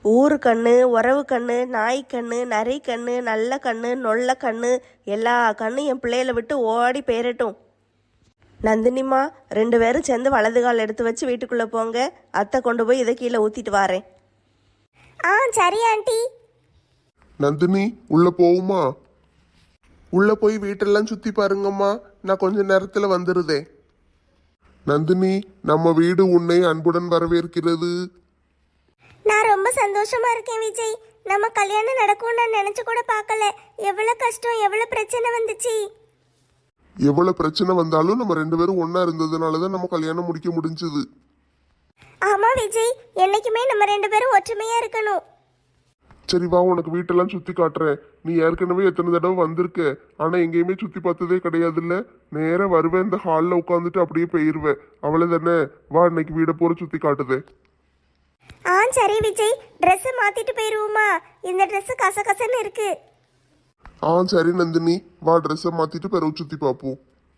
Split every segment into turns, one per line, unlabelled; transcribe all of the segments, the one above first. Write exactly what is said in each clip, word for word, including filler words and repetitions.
ஊரு கண்ணு, உறவு கண்ணு, நாய் கண்ணு, நரி கண்ணு, நல்ல கண்ணு, நொல்ல கண்ணு, எல்லா கண்ணும் என் பிள்ளையில விட்டு ஓடி போயிரட்டும். நந்தினிமா, ரெண்டு பேரும் சேர்ந்து வலது கால் எடுத்து வச்சு வீட்டுக்குள்ளே போங்க. அத்தை கொண்டு போய் இதை கீழே ஊற்றிட்டு வாரேன்.
ஆ சரி ஆண்டி.
நந்தினி, உள்ள போவுமா? உள்ள போய் வீட்டெல்லாம் சுத்தி பாருங்கம்மா, நான் கொஞ்ச நேரத்துல வந்துருதேன். நந்தினி, நம்ம வீடு உன்னை அன்புடன் வரவேற்கிறது.
நான் ரொம்ப சந்தோஷமா இருக்கேன் விஜய். நம்ம கல்யாணம் நடக்கும் நான் நினைச்சு கூட பார்க்கல. எவ்வளவு கஷ்டம், எவ்வளவு பிரச்சனை வந்துச்சு.
எவ்வளவு பிரச்சனை வந்தாலும் நம்ம ரெண்டு பேரும் ஒன்னா இருந்ததுனாலதான் நம்ம கல்யாணம் முடிக்க முடிஞ்சது.
ஆமா விஜய், என்னைக்குமே நம்ம ரெண்டு பேரும் ஒற்றுமையா இருக்கணும்.
சரி வா, உனக்கு வீட்டெல்லாம் சுத்தி காட்டுறேன். நீ ஏற்கனவே எத்தனை தடவை வந்திருக்க, ஆனா எங்கேயுமே சுத்தி பார்த்ததே கிடையாதுல்ல. நேரா வருவேன், இந்த ஹாலில் உட்காந்துட்டு அப்படியே போயிருவேன். அவ்வளவுதானே? வா, இன்னைக்கு வீடை பூரா சுத்தி காட்டுதே.
ஆ சரி விஜய், ட்ரெஸ் மாத்திட்டு போயிருவோமா? இந்த ட்ரெஸ் கசகசன்னு இருக்கு.
ஆ சரி நந்தினி, வா ட்ரெஸ்ஸை மாத்திட்டு பிறகு சுத்தி பார்ப்போம்.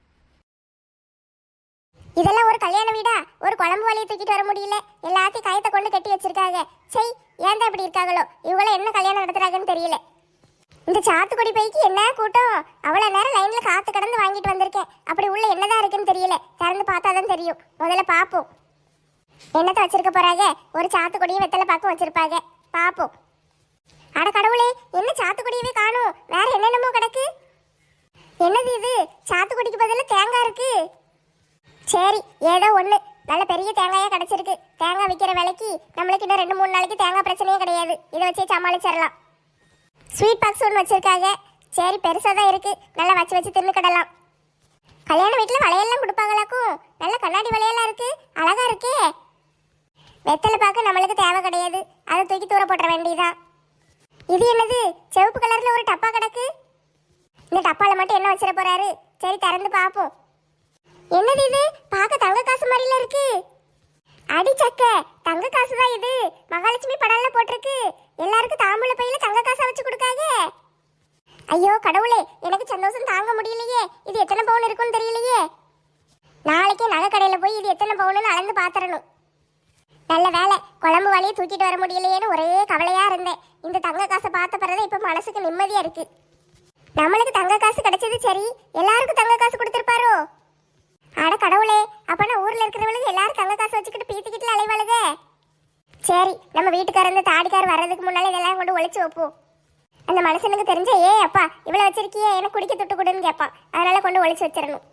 இதெல்லாம் ஒரு கல்யாண வீடா? ஒரு குழம்பு வழியை தூக்கிட்டு வர முடியல, எல்லாத்தையும் கயத்தை கொண்டு கட்டி வச்சிருக்காங்க. சரி, ஏன் தான் இப்படி இருக்காங்களோ? இவங்கள என்ன கல்யாணம் நடத்துறாங்கன்னு தெரியல. இந்த சாத்துக்குடி பைக்கு என்ன கூட்டம்! அவ்வளவு நேரம் லைன்ல காத்து கடந்து வாங்கிட்டு வந்திருக்கேன். அப்படி உள்ள என்னதான் இருக்குன்னு தெரியல, திறந்து பார்த்தாதான் தெரியும். முதல்ல பாப்போம் என்னத்தை வச்சிருக்க போறாங்க. ஒரு சாத்துக்குடியும் வெத்தலை பாக்கும் வச்சிருப்பாங்க, பாப்போம். அட கடவுளே, என்ன சாத்துக்குடியவே காணும், வேற என்னென்னமோ கிடக்கு. என்னது இது? சாத்துக்குடிக்கு பதிலா தேங்காய் இருக்கு. சரி, ஏதோ ஒண்ணு நல்ல பெரிய தேங்காயா கிடைச்சிருக்கு. தேங்காய் விற்கிற விலைக்கு நம்மளுக்கு இன்னும் ரெண்டு மூணு நாளைக்கு தேங்காய் பிரச்சனையே கிடையாது. இதை வச்சே சமாளிச்சிடலாம். ஸ்வீட் பாக்ஸ் ஒன்று வச்சிருக்காங்க. சரி, பெருசா தான் இருக்கு, நல்லா வச்சு வச்சு தின்னுக்கிடலாம். கல்யாண வீட்டுல வளையல்லாம் கொடுப்பாங்களாக்கும். நல்ல கண்ணாடி வளையல்லாம் இருக்கு, அழகா இருக்கே. வெத்தலை பாக்கு நம்மளுக்கு தேவை கிடையாது, அதை தூக்கி தூர போட்டுற வேண்டியதான். இது என்னது? சிவப்பு கலர்ல ஒரு டப்பா கிடக்கு. இந்த டப்பால மட்டும் என்ன வச்சிட போறாரு? சரி, திறந்து பாப்போம். என்னது இது? பார்க்க தங்க காசு மாதிரில இருக்கு. அடி சக்க, தங்க காசு தான் இது. மகாலட்சுமி படம்ல போட்டிருக்கு. எல்லாருக்கும் தாம்பூல பையில தங்க காசை வச்சு கொடுக்காங்க. ஐயோ கடவுளே, எனக்கு சந்தோஷம் தாங்க முடியலையே. இது எத்தனை பவுன் இருக்குன்னு தெரியலையே. நாளைக்கே நகை கடையில போய் இது எத்தனை பவுன்னு அளந்து பாத்திரணும். நல்ல வேலை, குழம்பு வழியை தூக்கிட்டு வர முடியலையேன்னு ஒரே கவலையா இருந்தேன். இந்த தங்க காசை பார்த்த பிறகு இப்ப மனசுக்கு நிம்மதியா இருக்கு. நம்மளுக்கு தங்க காசு கிடைச்சது சரி, எல்லாருக்கும் தங்க காசு கொடுத்திருப்பாரோ? அட கடவுளே, அப்பனா ஊர்ல இருக்கிறவளுக்கு எல்லாரும் தங்க காசு வச்சுக்கிட்டு பீத்திக்கிட்டு அலைவாளுக. சரி, நம்ம வீட்டுக்காரங்க தாடிக்கார் வர்றதுக்கு முன்னால இதெல்லாம் கொண்டு ஒழிச்சு வைப்போம். அந்த மனுஷனுக்கு தெரிஞ்ச, ஏ அப்பா இவ்வளவு வச்சிருக்கியே, எனக்கு குடிக்க துட்டு கொடுன்னு கேட்பான். அதனால கொண்டு ஒழிச்சு வச்சிடணும்.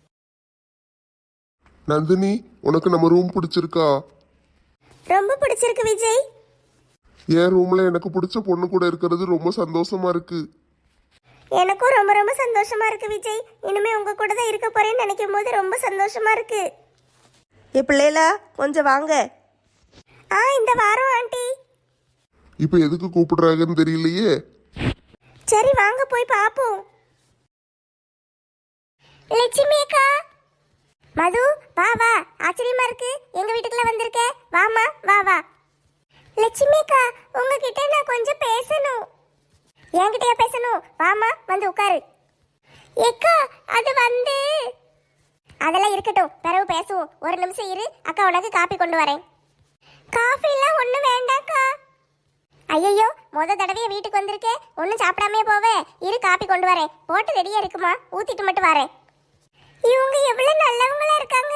நந்தினி, உனக்கு நம்ம ரூம் பிடிச்சிருக்கா?
ரொம்ப பிடிச்சிருக்கு விஜய்.
என் ரூம்ல எனக்கு பிடிச்ச பொண்ணு கூட இருக்கிறது ரொம்ப சந்தோஷமா இருக்கு.
எனக்கும் ரொம்ப ரொம்ப சந்தோஷமா இருக்கு விஜய். இனிமே உங்க கூட தான் இருக்க போறேன்னு நினைக்கும் போது ரொம்ப சந்தோஷமா இருக்கு.
என் பிள்ளைகளா, கொஞ்சம் வாங்க.
ஆ இந்த வாரம் ஆண்டி.
இப்ப எதுக்கு கூப்பிடுறாங்கன்னு தெரியலையே.
சரி வாங்க போய் பாப்போம். லட்சுமி அக்கா, மது வா வா, ஆச்சரியமா இருக்கு எங்க வீட்டுக்குள்ள வந்திருக்க. வாமா வா வா. லட்சுமி அக்கா, உங்ககிட்ட நான் கொஞ்சம் பேசணும். என்கிட்டயா பேசணும்? வாமா வந்து உட்காரு. ஏக்கா, அது வந்து அதெல்லாம் இருக்கட்டும், பிறகு பேசுவோம். ஒரு நிமிஷம் இரு, அக்கா உனக்கு காப்பி கொண்டு வரேன். காஃபி எல்லாம் ஒண்ணும் வேண்டாக்கா. ஐயோ, முத தடவையே வீட்டுக்கு வந்திருக்கேன், ஒன்னும் சாப்பிடாமே போவே. இரு, காப்பி கொண்டு வரேன். போட்டு ரெடியா இருக்குமா, ஊத்திட்டு மட்டும் வரேன். இவங்க எவ்வளவு நல்லவங்களா இருக்காங்க.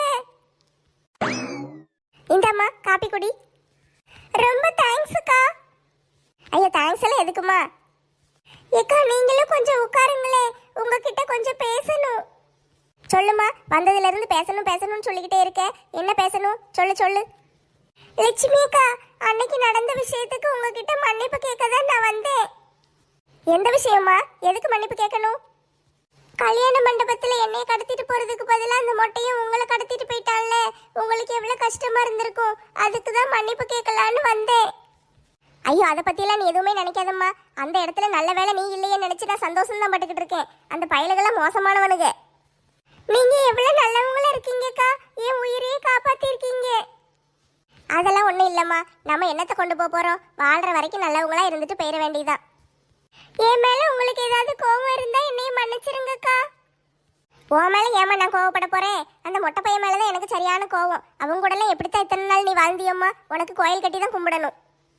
இந்தாம்மா காப்பி குடி. ரொம்ப தேங்க்ஸ் அக்கா. ஐயோ, தேங்க்ஸ் எல்லாம் எதுக்குமா? ஏக்கா, நீங்களும் கொஞ்சம் உட்காருங்களே, உங்ககிட்ட கொஞ்சம் பேசணும். சொல்லுமா, வந்ததுல இருந்து பேசணும் பேசணும்னு சொல்லிக்கிட்டே இருக்க. என்ன பேசணும்? சொல்லு சொல்லு. லட்சுமி அக்கா, அன்னைக்கு நடந்த விஷயத்துக்கு உங்ககிட்ட மன்னிப்பு கேட்க தான் நான் வந்தேன். எந்த விஷயமா? எதுக்கு மன்னிப்பு கேட்கணும்? கல்யாண மண்டபத்துல என்னைய கடத்திட்டு போறதுக்கு பதிலாக அந்த மொட்டையும் உங்களை கடத்திட்டு போயிட்டான்ல, உங்களுக்கு எவ்வளவு கஷ்டமா இருந்திருக்கும். அதுக்கு தான் மன்னிப்பு கேட்கலான்னு வந்தேன். ஐயோ, அதை பத்தியெல்லாம் நீ எதுவுமே நினைக்காதம்மா. அந்த இடத்துல நல்ல வேலை நீ இல்லையே நினைச்சு நான் சந்தோஷம் தான் பட்டுக்கிட்டு இருக்கேன். அந்த பயலுகெல்லாம் மோசமானவனுங்க. நீங்க எவ்வளவு நல்லவங்களா இருக்கீங்கக்கா, என் உயிரையே காப்பாத்தி இருக்கீங்க. அதெல்லாம் ஒண்ணும் இல்லம்மா, நம்ம என்னத்தை கொண்டு போக போறோம்? வாழ்ற வரைக்கும் நல்லவங்களா இருந்துட்டு போயிட வேண்டியதான். என் மேல உங்களுக்கு ஏதாவது கோவம் இருந்தா என்னைய மன்னிச்சிருங்கக்கா. உன் மேல ஏமா நான் கோவப்பட போறேன்? அந்த மொட்டை பையன் மேலதான் எனக்கு சரியான கோவம். அவங்க கூட எல்லாம் எப்படித்தான் இத்தனை நாள் நீ வாழ்ந்தியம்மா? உனக்கு கோயில் கட்டி தான் கும்பிடணும்.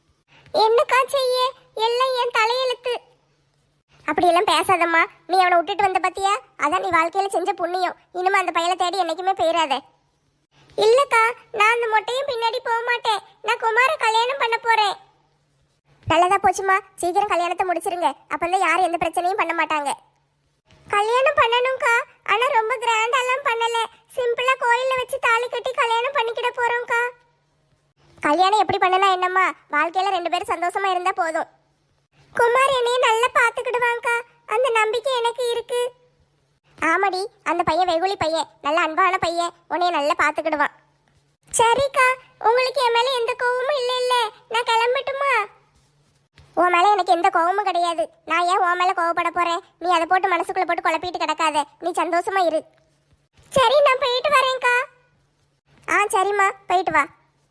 என்னக்கா செய்ய, எல்லாம் என் தலையெழுத்து. அப்படியெல்லாம் பேசாதம்மா. நீ அவனை விட்டுட்டு வந்த பத்தியா, அதான் நீ வாழ்க்கையில செஞ்ச புண்ணியம். இனிமே அந்த பையனை தேடி என்னைக்குமே போயிடாத. இல்லக்கா, நான் அந்த மொட்டையும் பின்னாடி போக மாட்டேன். நான் குமார கல்யாணம் பண்ண போறேன். நல்லதா போச்சுமா, சீக்கிரம் கல்யாணத்தை முடிச்சிருங்க. அப்பதான் யாரும் எந்த பிரச்சனையும் பண்ண மாட்டாங்க. கல்யாணம் பண்ணணும்க்கா, ஆனா ரொம்ப கிராண்டாலாம் பண்ணல. சிம்பிளா கோயில்ல வச்சு தாலி கட்டி கல்யாணம் பண்ணிக்கிட போறோம்க்கா. கல்யாணம் எப்படி பண்ணலாம் என்னம்மா, வாழ்க்கையில ரெண்டு பேரும் சந்தோஷமா இருந்தா போதும். குமார் என்னைய நல்லா பாத்துக்கிடுவாங்கக்கா, அந்த நம்பிக்கை எனக்கு இருக்கு. ஆமாடி, அந்த பையன் வெகுளி பையன், நல்ல அன்பான பையன், உன்னைய நல்லா பாத்துக்கிடுவான். சரிக்கா, உங்களுக்கு என் மேல எந்த கோவமும் இல்ல இல்ல, நான் கிளம்பட்டுமா? உன் மேல எனக்கு எந்த கோவமும் கிடையாது. நான் ஏன் உன் மேல கோவப்பட போறேன்? நீ அதை போட்டு மனசுக்குள்ள போட்டு குழப்பிட்டு கிடக்காத. நீ சந்தோஷமா இரு. சரி, நான் போயிட்டு வரேன்க்கா. ஆ சரிம்மா, போயிட்டு வா.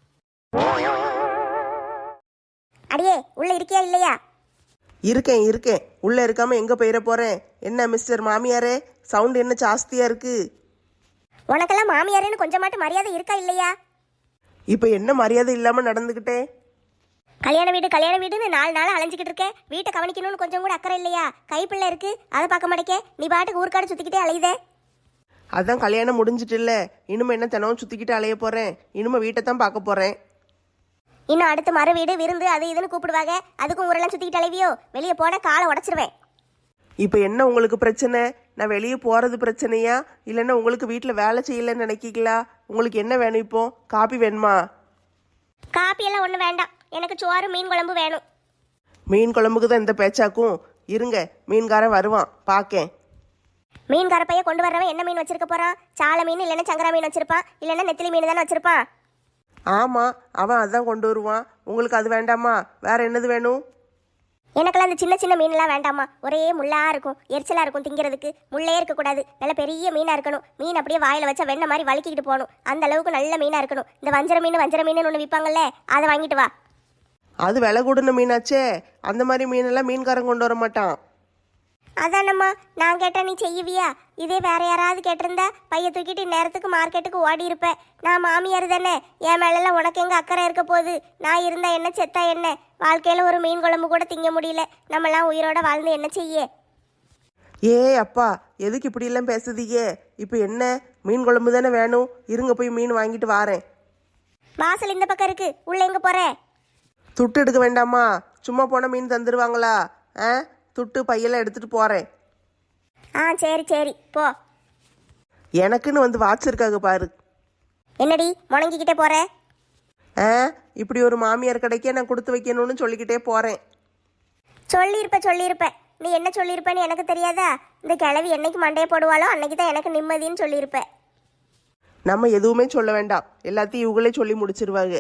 அடியே, உள்ள இருக்கியா இல்லையா?
இருக்கேன் இருக்கேன். உள்ளே இருக்காமல் எங்கே போயிட போகிறேன்? என்ன மிஸ்டர் மாமியாரே, சவுண்டு என்ன ஜாஸ்தியாக இருக்குது?
உனக்கெல்லாம் மாமியாரேன்னு கொஞ்சமாட்டு மரியாதை இருக்கா இல்லையா?
இப்போ என்ன மரியாதை இல்லாமல் நடந்துக்கிட்டேன்?
கல்யாண வீடு கல்யாண வீடுன்னு நாலு நாள் அலைஞ்சிக்கிட்டு இருக்கேன். வீட்டை கவனிக்கணும்னு கொஞ்சம் கூட அக்கறை இல்லையா? கைப்பிள்ளை இருக்கு, அதை பார்க்க மாட்டேக்க. நீ பாட்டுக்கு ஊர்க்காடு சுற்றிக்கிட்டே அலையுதே.
அதான் கல்யாணம் முடிஞ்சிட்டு இல்லை, இனிமே என்ன தினமும் சுற்றிக்கிட்டு அலைய போகிறேன். இனிமே வீட்டை தான் பார்க்க போகிறேன்.
இன்னும் அடுத்து மறு வீடு விருந்து அது இதுன்னு கூப்பிடுவாங்க, அதுக்கும் ஊரெல்லாம் சுற்றிக்கிட்டு அலைவியோ? வெளியே போட காலை உடச்சிருவேன்.
இப்போ என்ன உங்களுக்கு பிரச்சனை? நான் வெளியே போகிறது பிரச்சனையா, இல்லைன்னா உங்களுக்கு வீட்டில் வேலை செய்யலைன்னு நினைக்கிங்களா? உங்களுக்கு என்ன வேணும்? இப்போ காப்பி வேணுமா?
காப்பியெல்லாம் ஒன்றும் வேண்டாம், எனக்கு சோறு மீன் குழம்பு வேணும்.
மீன் குழம்புக்கு தான் இந்த பேச்சாக்கும். இருங்க, மீன்காரன் வருவான், பார்க்கேன்.
மீன் கரப்பைய கொண்டு வர்றவன் என்ன மீன் வச்சிருக்க போறான்? சால மீன் இல்லைன்னா சங்கரா மீன் வச்சிருப்பான், இல்லைன்னா நெத்திலி மீன் தானே வச்சிருப்பான்.
ஆமாம், அவன் அதான் கொண்டு வருவான். உங்களுக்கு அது வேண்டாமா? வேற என்னது வேணும்?
எனக்கெல்லாம் அந்த சின்ன சின்ன மீன்லாம் வேண்டாமா. ஒரே முள்ளா இருக்கும், எரிச்சலா இருக்கும், திங்கிறதுக்கு முள்ளே இருக்கக்கூடாது. நல்ல பெரிய மீனா இருக்கணும். மீன் அப்படியே வாயில வச்சா வெண்ணெய் மாதிரி வலிக்கிட்டு போகணும். அந்த அளவுக்கு நல்ல மீனா இருக்கணும். இந்த வஞ்சர மீன் வஞ்சர மீன் ஒன்று விற்பாங்கல்ல, அதை வாங்கிட்டு வா.
அது விலை கூடுன மீனாச்சே, அந்த மாதிரி மீனெல்லாம் மீன்காரன் கொண்டு வர மாட்டான்.
அதானம்மா, நான் கேட்டா நீ செய்வியா? இதே வேற யாராவது கேட்டிருந்தா பைய தூக்கிட்டு நேரத்துக்கு மார்க்கெட்டுக்கு ஓடி இருப்பேன். நான் மாமியார் தானே, என் மேலெல்லாம் உனக்கு எங்க அக்கறை இருக்க போகுது? நான் இருந்தா என்ன, செத்தா என்ன? வாழ்க்கையில ஒரு மீன் குழம்பு கூட திங்க முடியல, நம்மலாம் உயிரோட வாழ்ந்து என்ன செய்ய?
ஏ அப்பா, எதுக்கு இப்படியெல்லாம் பேசுதீங்க? இப்போ என்ன, மீன் குழம்பு தானே வேணும்? இருங்க, போய் மீன் வாங்கிட்டு வாரேன்.
வாசல் இந்த பக்கம் இருக்கு, உள்ள எங்க போற?
துட்டு எடுக்க வேண்டாமா? சும்மா போன மீன் தந்துடுவாங்களா? ஆ, துட்டு பையெல்லாம் எடுத்துட்டு போறேன்.
ஆ சரி சரி, போ.
எனக்குன்னு வந்து வாட்ச் இருக்காங்க பாரு.
என்னடி முணங்கிக்கிட்டே போற?
ஆ, இப்படி ஒரு மாமியார் கிடைக்க நான் கொடுத்து வைக்கணும்னு சொல்லிக்கிட்டே போறேன்.
சொல்லியிருப்ப சொல்லியிருப்ப. நீ என்ன சொல்லியிருப்பேன்னு எனக்கு தெரியாதா? இந்த கிழவி என்னைக்கு மண்டையை போடுவாளோ அன்னைக்கு தான் எனக்கு நிம்மதின்னு சொல்லியிருப்ப.
நம்ம எதுவுமே சொல்ல வேண்டாம், எல்லாத்தையும் இவங்களே சொல்லி முடிச்சிருவாங்க.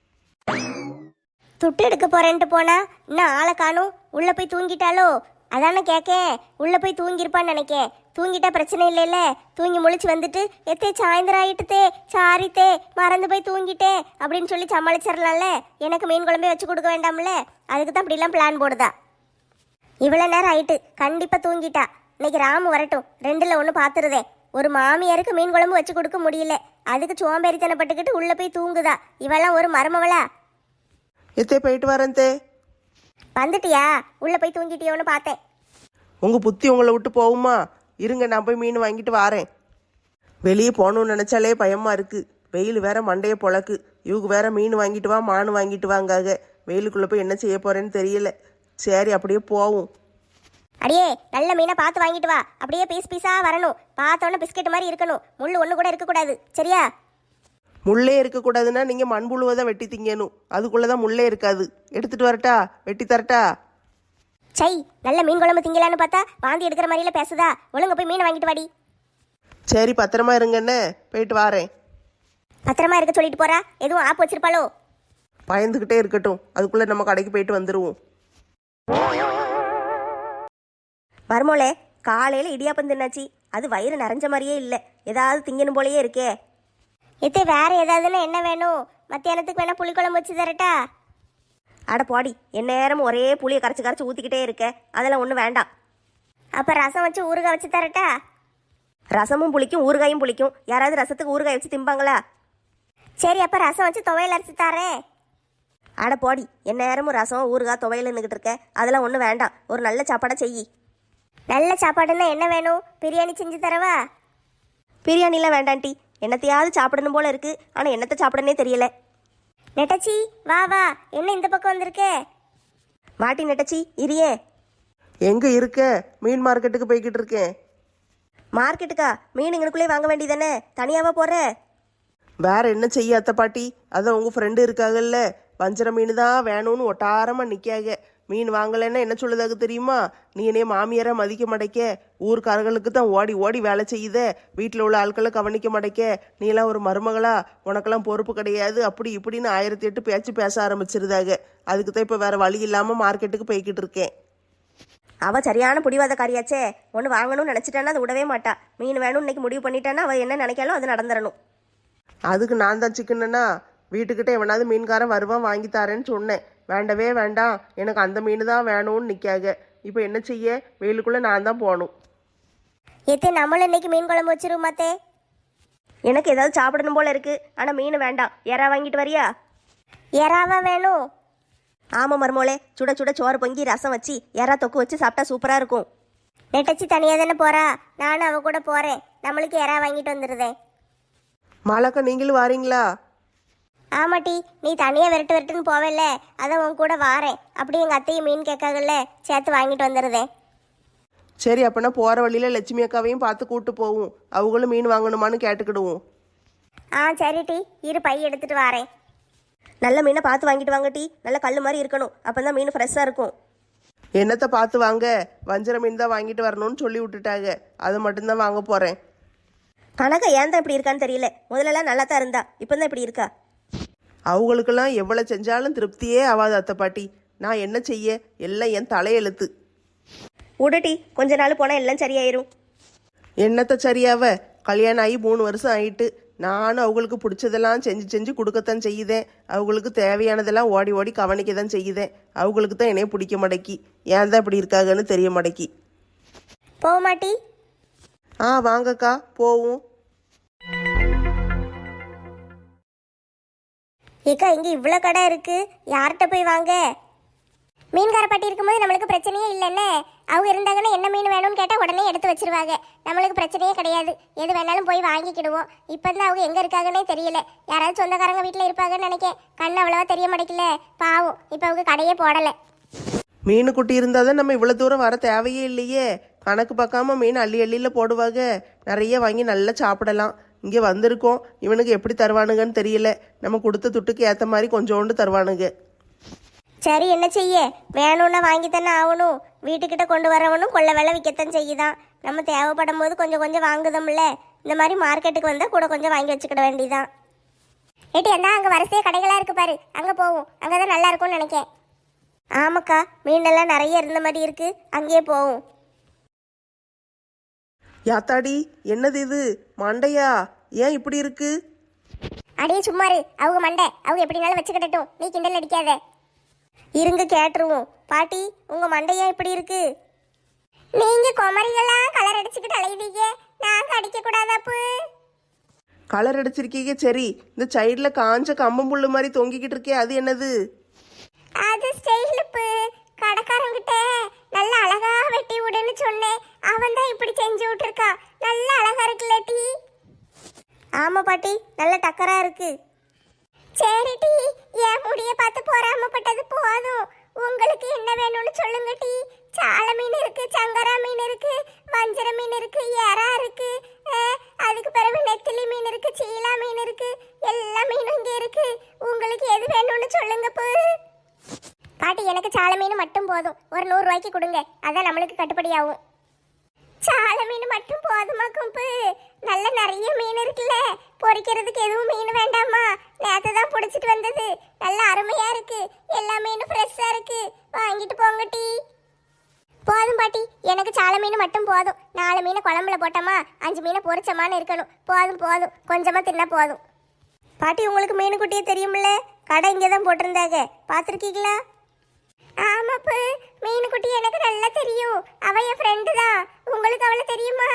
துட்டு எடுக்க போறேன்ட்டு போனா இன்னும் ஆளை காணும். உள்ள போய் தூங்கிட்டாலோ? அதானே கேட்க. உள்ள போய் தூங்கியிருப்பான்னு நினைக்கேன். தூங்கிட்டா பிரச்சனை இல்லைல்ல. தூங்கி முழிச்சு வந்துட்டு எத்தே சாயந்தரம் ஆயிட்டுத்தே, சாரித்தே, மறந்து போய் தூங்கிட்டேன் அப்படின்னு சொல்லி சமாளிச்சிடலாம்ல. எனக்கு மீன் குழம்பே வச்சு கொடுக்க வேண்டாம்ல. அதுக்கு தான் இப்படிலாம் பிளான் போடுதா. இவ்வளோ நேரம் ஆயிட்டு, கண்டிப்பாக தூங்கிட்டா. இன்னைக்கு ராமு வரட்டும், ரெண்டில் ஒன்று பார்த்துருதே. ஒரு மாமியாருக்கு மீன் குழம்பு வச்சு கொடுக்க முடியல, அதுக்கு சோம்பேறித்தனப்பட்டுக்கிட்டு உள்ள போய் தூங்குதா. இவெல்லாம் ஒரு மருமவளா?
எத்தே போயிட்டு வரேன் தே.
வந்துட்டியா? உள்ள போய் தூங்கிட்டியோன்னு பார்த்தேன்.
உங்க புத்தி உங்களை விட்டு போகுமா? இருங்க, நான் போய் மீன் வாங்கிட்டு வாரேன். வெளியே போகணும்னு நினைச்சாலே பயமா இருக்கு. வெயில் வேற மண்டைய பொழக்கு. இவங்க வேற மீன் வாங்கிட்டு வா, மானு வாங்கிட்டு வாங்காக. வெயிலுக்குள்ள போய் என்ன செய்ய போறேன்னு தெரியல. சரி, அப்படியே போவோம்.
அடியே, நல்ல மீனை பார்த்து வாங்கிட்டு வா. அப்படியே பீஸ் பீஸா வரணும். பார்த்தோன்னே பிஸ்கெட் மாதிரி இருக்கணும். முள்ளு ஒன்று கூட இருக்கக்கூடாது, சரியா?
முள்ளே இருக்கக்கூடாதுன்னா நீங்க மண்புழுவை தான் வெட்டி திங்கணும். அதுக்குள்ளதான் முள்ளே இருக்காது. எடுத்துட்டு வரட்டா? வெட்டி தரட்டா?
சை, நல்ல மீன் குழம்பு திங்கலான்னு பார்த்தா வாந்தி எடுக்கிற மாதிரில பேசுதா. ஒழுங்க போய் மீன் வாங்கிட்டு வாடி.
சரி, பத்திரமா இருங்கன்னு போயிட்டு வாரேன்.
பத்திரமா இருக்க சொல்லிட்டு போறா. எதுவும் ஆப்பு வச்சிருப்பாளோ?
பயந்துகிட்டே இருக்கட்டும், அதுக்குள்ள நம்ம கடைக்கு போயிட்டு வந்துருவோம்.
மருமோளே, காலையில் இடியாப்பம் தின்னாச்சு. அது வயிறு நிறைஞ்ச மாதிரியே இல்லை. ஏதாவது திங்கணும் போலயே இருக்கே.
எத்தே, வேற ஏதாவதுன்னா என்ன வேணும்? மத்தியானத்துக்கு வேணா புளிக்குழம்பு வச்சு தரட்டா?
அட போடி, என் நேரமும் ஒரே புளியை கரைச்சி கரைச்சி ஊற்றிக்கிட்டே இருக்க. அதெல்லாம் ஒன்றும் வேண்டாம்.
அப்போ ரசம் வச்சு ஊறுகாய் வச்சு தரட்டா?
ரசமும் புளிக்கும், ஊறுகாயும் புளிக்கும். யாராவது ரசத்துக்கு ஊறுகாய் வச்சு திம்பாங்களா?
சரி, அப்போ ரசம் வச்சு துவையல் அரைச்சி தரேன்.
அட போடி, என் நேரமும் ரசம் ஊறுகாய் துவையல் நின்றுக்கிட்டு இருக்க. அதெல்லாம் ஒன்றும் வேண்டாம், ஒரு நல்ல சாப்பாடை செய்.
நல்ல சாப்பாடுன்னா என்ன வேணும்? பிரியாணி செஞ்சு தரவா?
பிரியாணிலாம் வேண்டாண்டி, என்னத்தையாவது சாப்பிடணும் போல இருக்கு. ஆனால் என்னத்தை சாப்பிடனே தெரியல.
நெட்டச்சி வா வா, என்ன இந்த பக்கம் வந்திருக்கே?
வாட்டி நெட்டச்சி இரியே.
எங்கே இருக்க? மீன் மார்க்கெட்டுக்கு போய்கிட்டு இருக்கேன்.
மார்க்கெட்டுக்கா? மீன் இங்கனுக்குள்ளே வாங்க வேண்டியதானே, தனியாவா போற?
வேற என்ன செய்ய அத்தை பாட்டி? அதான் உங்கள் ஃப்ரெண்டு இருக்காங்கல்ல, வஞ்சர மீன் தான் வேணும்னு ஒட்டாரமாக நிற்காக. மீன் வாங்கலைன்னா என்ன சொல்லுதாக தெரியுமா? நீ என்னைய மாமியாரை மதிக்க மாட்டேக்க, ஊர்க்காரர்களுக்கு தான் ஓடி ஓடி வேலை செய்யுத, வீட்டில் உள்ள ஆட்களை கவனிக்க மாட்டேக்க, நீ எல்லாம் ஒரு மருமகளா, உனக்கெல்லாம் பொறுப்பு கிடையாது, அப்படி இப்படின்னு ஆயிரத்தி எட்டு பேச்சு பேச ஆரம்பிச்சிருதாக. அதுக்கு தான் இப்போ வேற வழி இல்லாமல் மார்க்கெட்டுக்கு போய்கிட்டு இருக்கேன்.
அவள் சரியான பிடிவாதக்காரியாச்சே. ஒன்று வாங்கணும்னு நினச்சிட்டான்னா அதை விடவே மாட்டா. மீன் வேணும்னு இன்னைக்கு முடிவு பண்ணிட்டான்னா அவள் என்ன நினைக்காலும் அது நடந்துடணும்.
அதுக்கு நான் தான் சிக்கனுன்னா வீட்டுக்கிட்ட எவனாவது மீன்காரன் வருவான் வாங்கி தாரேன்னு சொன்னேன். வேண்டவே வேண்டாம், எனக்கு அந்த மீன் தான் வேணும்னு நிற்காக. இப்போ என்ன செய்ய? வெயிலுக்குள்ளே நான் தான் போகணும்.
எத்தே நம்மளும் இன்னைக்கு மீன் குழம்பு வச்சிருமாத்தே.
எனக்கு ஏதாவது சாப்பிடணும் போல இருக்கு, ஆனால் மீன் வேண்டாம். எறா வாங்கிட்டு வரியா?
எறாவா வேணும்?
ஆமாம் மருமோளே, சுட சுட சோறு பொங்கி ரசம் வச்சு எறா தொக்கு வச்சு சாப்பிட்டா சூப்பராக இருக்கும்.
நெட்டச்சி தனியாக தானே போறா, நானும் அவ கூட போறேன். நம்மளுக்கு எறா வாங்கிட்டு வந்துடுதேன்.
மாலாக்கா நீங்களும் வாரீங்களா?
ஆமாட்டி, நீ தனியாக விரட்டு விரட்டுன்னு போவேல்ல, அதான் உன் கூட வாரேன். அப்படி எங்கள் அத்தையும் மீன் கேட்காங்கல்ல, சேர்த்து வாங்கிட்டு வந்துடுதேன்.
சரி, அப்போனா போகிற வழியில் லட்சுமி அக்காவையும் பார்த்து கூப்பிட்டு போவோம். அவங்களும் மீன் வாங்கணுமான்னு கேட்டுக்கிடுவோம்.
ஆ சரிட்டி, இரு பை எடுத்துட்டு வாரேன்.
நல்ல மீனை பார்த்து வாங்கிட்டு வாங்க டி, நல்ல கல் மாதிரி இருக்கணும், அப்போ தான் மீன் ஃப்ரெஷ்ஷாக இருக்கும்.
என்னத்தை பார்த்து வாங்க? வஞ்சர மீன் தான் வாங்கிட்டு வரணும்னு சொல்லி விட்டுட்டாங்க, அது மட்டும்தான் வாங்க போகிறேன்.
கணக்கா ஏன் தான் இப்படி இருக்கான்னு தெரியல. முதல்லலாம் நல்லா தான் இருந்தா, இப்போ தான் இப்படி இருக்கா.
அவங்களுக்கெல்லாம் எவ்வளோ செஞ்சாலும் திருப்தியே ஆகாது அத்தை பாட்டி. நான் என்ன செய்ய? எல்லாம் என் தலையெழுத்து.
உடட்டி, கொஞ்ச நாள் போனால் எல்லாம் சரியாயிரும்.
என்னத்தை சரியாவ? கல்யாணம் ஆகி மூணு வருஷம் ஆயிட்டு. நானும் அவங்களுக்கு பிடிச்சதெல்லாம் செஞ்சு செஞ்சு கொடுக்கத்தான் செய்யுதேன். அவங்களுக்கு தேவையானதெல்லாம் ஓடி ஓடி கவனிக்க தான் செய்யுதேன். அவங்களுக்கு தான் என்னைய பிடிக்க மாட்டேக்கி. ஏன் தான் இப்படி இருக்காங்கன்னு தெரிய மாட்டேக்கி.
போக மாட்டி?
ஆ வாங்கக்கா போவோம்.
ஏக்கா, இங்கே இவ்வளோ கடை இருக்கு, யார்கிட்ட போய் வாங்க? மீன்கார பாட்டி இருக்கும்போது நம்மளுக்கு பிரச்சனையே இல்லைன்னு. அவங்க இருந்தாங்கன்னா என்ன மீன் வேணும்னு கேட்டால் உடனே எடுத்து வச்சிருவாங்க. நம்மளுக்கு பிரச்சனையே கிடையாது, எது வேணாலும் போய் வாங்கிக்கிடுவோம். இப்போ தான் அவங்க எங்கே இருக்காங்கன்னே தெரியல. யாராவது சொந்தக்காரங்க வீட்டில் இருப்பாங்கன்னு நினைக்கேன். கண்ணு அவ்வளோவா தெரிய மாட்டேங்கல, பாவம். இப்போ அவங்க கடையே போடலை.
மீன் குட்டி இருந்தால் தான் நம்ம இவ்வளோ தூரம் வர தேவையே இல்லையே. கணக்கு பார்க்காம மீன் அள்ளி அள்ளியில் போடுவாங்க. நிறைய வாங்கி நல்லா சாப்பிடலாம். இங்கே வந்திருக்கோம், இவனுக்கு எப்படி தருவானுங்கன்னு தெரியல. நம்ம கொடுத்த துட்டுக்கு ஏற்ற மாதிரி கொஞ்சோண்டு தருவானுங்க.
சரி, என்ன செய்ய? வேணும்னா வாங்கி தானே ஆகணும். வீட்டுக்கிட்ட கொண்டு வரவனும் கொள்ள வேலை விற்கத்தான் செய்யுதான். நம்ம தேவைப்படும் போது கொஞ்சம் கொஞ்சம் வாங்குதோம்ல. இந்த மாதிரி மார்க்கெட்டுக்கு வந்தால் கூட கொஞ்சம் வாங்கி வச்சுக்கிட வேண்டியதான். ஏட்டி, அந்த அங்கே வரிசையாக கடைகளாக இருக்கு பாரு, அங்கே போவோம். அங்கே தான் நல்லா இருக்கும்னு நினைக்கேன். ஆமாக்கா, மீனெல்லாம் நிறைய இருந்த மாதிரி இருக்கு, அங்கேயே போவோம்.
யாத்தாடி, என்னது இது? மண்டையா? ஏன் இப்படி இருக்கு?
அடியே சும்மாரு, அவங்க மண்டை, அவங்க எப்படினாலும் வச்சுக்கிடட்டும், நீ கிண்டல் அடிக்காத. இருங்க கேட்டுருவோம். பாட்டி, உங்க மண்டையா இப்படி இருக்கு? நீங்க குமரிகளா கலர் அடிச்சுக்கிட்டு அலைவீங்க, நாங்க அடிக்க கூடாதாப்பு?
கலர் அடிச்சிருக்கீங்க சரி, இந்த சைடில் காஞ்ச கம்பம்புல்லு மாதிரி தொங்கிக்கிட்டு இருக்கே, அது என்னது?
அது ஸ்டைலுப்பு. கடைக்காரங்கிட்ட நல்ல அழகா வெட்டி விடுன்னு சொன்னேன், அவன் தான் இப்படி செஞ்சு விட்டுருக்கா. நல்ல அழகா இருக்குல்ல டி? ஆமா பாட்டி, நல்ல டக்கரா இருக்கு. சரி டி, என் முடிய பார்த்து பொறாமப்பட்டது போதும். உங்களுக்கு என்ன வேணும்னு சொல்லுங்க டி. சால மீன் இருக்கு, சங்கரா மீன் இருக்கு, வஞ்சர மீன் இருக்கு, எறா இருக்கு, அதுக்கு பிறகு நெத்திலி மீன் இருக்கு, சீலா மீன் இருக்கு, எல்லா மீனும் இங்க இருக்கு. உங்களுக்கு எது வேணும்னு சொல்லுங்க போ. பாட்டி, எனக்கு சால மீன் மட்டும் போதும், ஒரு நூறு ரூபாய்க்கு கொடுங்க, அதான் நம்மளுக்கு கட்டுப்படி ஆகும். சால மீன் மட்டும் போதுமா கும்பு? நல்ல நிறைய மீன் இருக்குல்ல, பொரிக்கிறதுக்கு எதுவும் மீன் வேண்டாமா? நேற்று தான் பிடிச்சிட்டு வந்தது, நல்ல அருமையா இருக்கு, எல்லா மீனும் ஃப்ரெஷ்ஷா இருக்கு, வாங்கிட்டு போங்க டி. போதும் பாட்டி, எனக்கு சால மீன் மட்டும் போதும். நாலு மீனை குழம்புல போட்டோமா, அஞ்சு மீனை பொரிச்சமான்னு இருக்கணும். போதும் போதும், கொஞ்சமா தின்னா போதும். பாட்டி, உங்களுக்கு மீன் குட்டியே தெரியுமில்ல, கடை இங்கே தான் போட்டிருந்தாங்க, பார்த்துருக்கீங்களா? ஆமாப்பு, மீனுக்குட்டி எனக்கு நல்லா தெரியும், அவ என் ஃப்ரெண்டு தான். உங்களுக்கு அவளை தெரியுமா?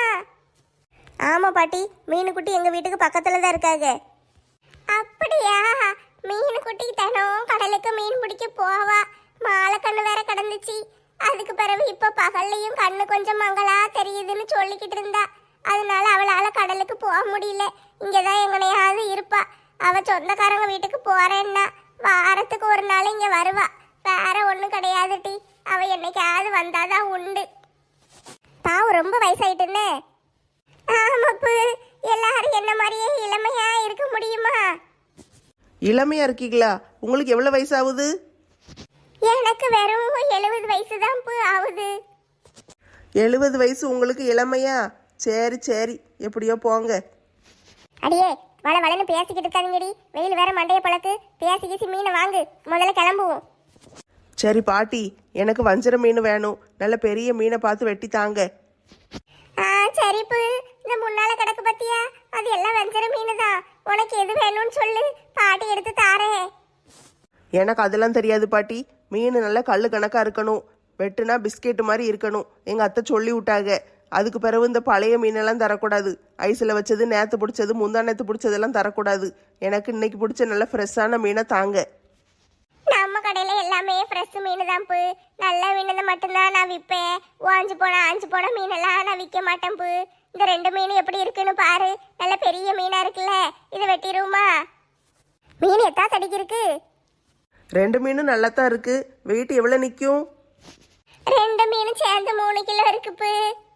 ஆமா பாட்டி, மீனுக்குட்டி எங்க வீட்டுக்கு பக்கத்துல தான் இருக்காங்க. அப்படியா? மீன் குட்டி தினம் கடலுக்கு மீன் பிடிக்க போவா. மாலை கண்ணு வேற கடந்துச்சு. அதுக்கு பிறகு இப்ப பகல்லையும் கண்ணு கொஞ்சம் மங்களா தெரியுதுன்னு சொல்லிக்கிட்டு இருந்தா. அதனால அவளால கடலுக்கு போக முடியல. இங்கதான் எங்கனையாவது இருப்பா. அவ சொந்தக்காரங்க வீட்டுக்கு போறேன்னா வாரத்துக்கு ஒரு நாள் இங்க வருவா. வேற ஒண்ணும் கிடையாது டி. அவ என்னைக்காவது வந்தாதான் உண்டு. பாவம் ரொம்ப வயசாயிட்டுன்னு. ஆமாப்பு, எல்லாரும் என்ன மாதிரியே இளமையா இருக்க முடியுமா?
இளமையா இருக்கீங்களா? உங்களுக்கு எவ்வளோ வயசாகுது?
எனக்கு வெறும் எழுபது வயசு தான் ஆகுது.
எழுபது வயசு உங்களுக்கு இளமையா? சரி சரி, எப்படியோ போங்க.
அடியே வள வளன்னு பேசிக்கிட்டு இருக்காதீங்கடி. வெயில் வேற மண்டைய பழக்கு. பேசி கீசி மீனை வாங்கு, முதல்ல கிளம்புவோம்.
சரி பாட்டி, எனக்கு வஞ்சர மீன் வேணும். நல்ல பெரிய மீனை பார்த்து வெட்டி தாங்க.
ஆ சரிப்பு, இந்த முன்னால கிடக்கு பத்தியா, அது எல்லாம் வஞ்சர மீன் தான். உனக்கு எது வேணும்னு சொல்லு, பாட்டி எடுத்து தாரேன்.
எனக்கு அதெல்லாம் தெரியாது பாட்டி. மீன் நல்லா கல்லு கணக்கா இருக்கணும். வெட்டுனா பிஸ்கெட் மாதிரி இருக்கணும். எங்கள் அத்தை சொல்லி விட்டாங்க. அதுக்கு பிறகு இந்த பழைய மீனெல்லாம் தரக்கூடாது. ஐஸில் வச்சது, நேற்று பிடிச்சது, முந்தா நேற்று பிடிச்சதெல்லாம் தரக்கூடாது. எனக்கு இன்னைக்கு பிடிச்ச நல்ல ஃப்ரெஷ்ஷான மீனை தாங்க.
நம்ம கடையில எல்லாமே ஃப்ரெஷ் மீன் தான் பு. நல்ல மீன் மட்டும்தான் நான் விற்பேன். வாஞ்சு போன ஆஞ்சு போன மீனெல்லாம் நான் விற்க மாட்டேன் பு. இந்த ரெண்டு மீன் எப்படி இருக்குன்னு பாரு. நல்ல பெரிய மீனா இருக்குல்ல, இதை வெட்டிடுவோமா? மீன் எத்தா தடிக்கு இருக்கு?
ரெண்டு மீனும் நல்லா தான் இருக்கு. வெயிட் எவ்வளோ நிற்கும்?
ரெண்டு மீனும் சேர்ந்து மூணு கிலோ இருக்குப்பு.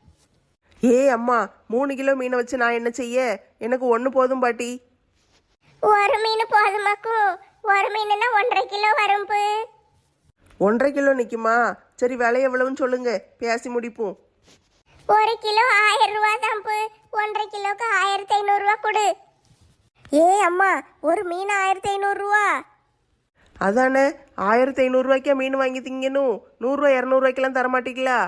ஏ அம்மா, மூணு கிலோ மீனை வச்சு நான் என்ன செய்ய? எனக்கு ஒன்று போதும் பாட்டி.
ஒரு மீன் போதுமாக்கும். ஒரு மீனுன்னா ஒன்றரை கிலோ வரும்பு.
ஒன்றரை கிலோ நிற்குமா? சரி, விலை எவ்வளவுன்னு சொல்லுங்க, பேசி முடிப்போம்.
ஒரு கிலோ ஆயிரம் ரூபா தான்ப்பு. ஒன்றரை கிலோக்கு ஆயிரத்தி ஐநூறு ரூபா கொடு. ஏ அம்மா, ஒரு மீன் ஆயிரத்தி ஐநூறு ரூபா?
அதானே, ஆயிரத்தி ஐநூறுரூவாய்க்கா மீன் வாங்கி திங்கணும். நூறுரூவா இரநூறுவாய்க்கெல்லாம் தரமாட்டீங்களா?